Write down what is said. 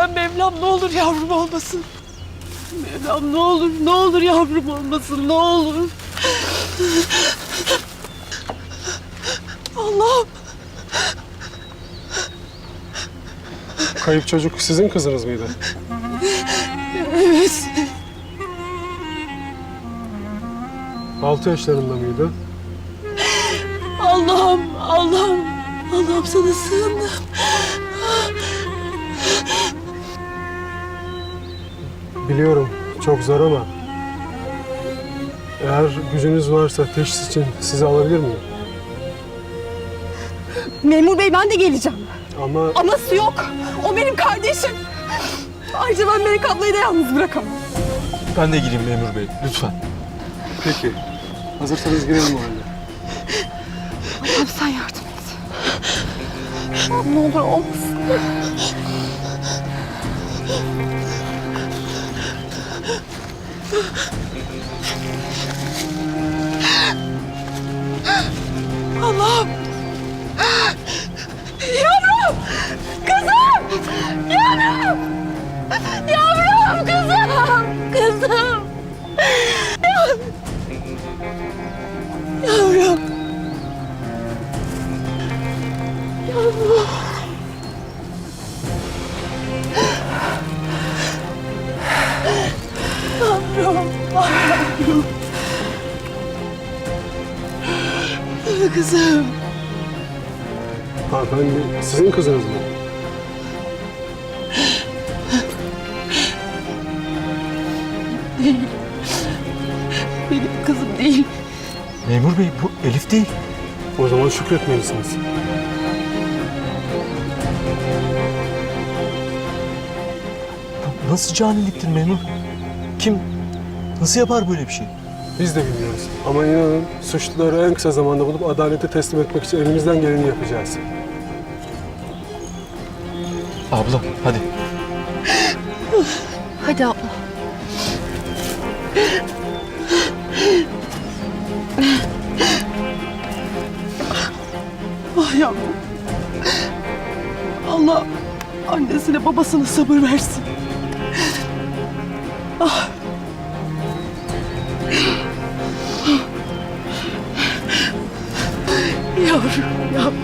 lütfen Mevlam, ne olur yavrum olmasın. Mevlam ne olur yavrum olmasın, ne olur. Allah'ım. Kayıp çocuk sizin kızınız mıydı? Evet. 6 yaşlarında mıydı? Allah'ım sana sığındım. Biliyorum çok zor ama eğer gücünüz varsa teşhis için sizi alabilir miyim? Memur bey ben de geleceğim. Ama Aması yok. O benim kardeşim. Ayrıca ben Melek ablayı da yalnız bırakamam. Ben de gireyim memur bey, lütfen. peki. Hazırsanız girelim o halde. Allah'ım sen yardım et. Ne olur olmasın. Allah'ım. Yavrum. Kızım. Yavrum. Yavrum kızım. Kızım. Yavrum. Yavrum. Yavrum. Yavrum. Kızım. Hanımefendi sizin kızınız mı? Değil. Benim kızım değil. Memur bey, bu Elif değil. O zaman şükretmelisiniz. Nasıl caniliktir memur? Kim, nasıl yapar böyle bir şey? Biz de bilmiyoruz. Ama inanın suçluları en kısa zamanda bulup adalete teslim etmek için elimizden geleni yapacağız. Abla, hadi. Hadi abla. Ah yavrum. Allah annesine babasına sabır versin. Ah. Yavrum.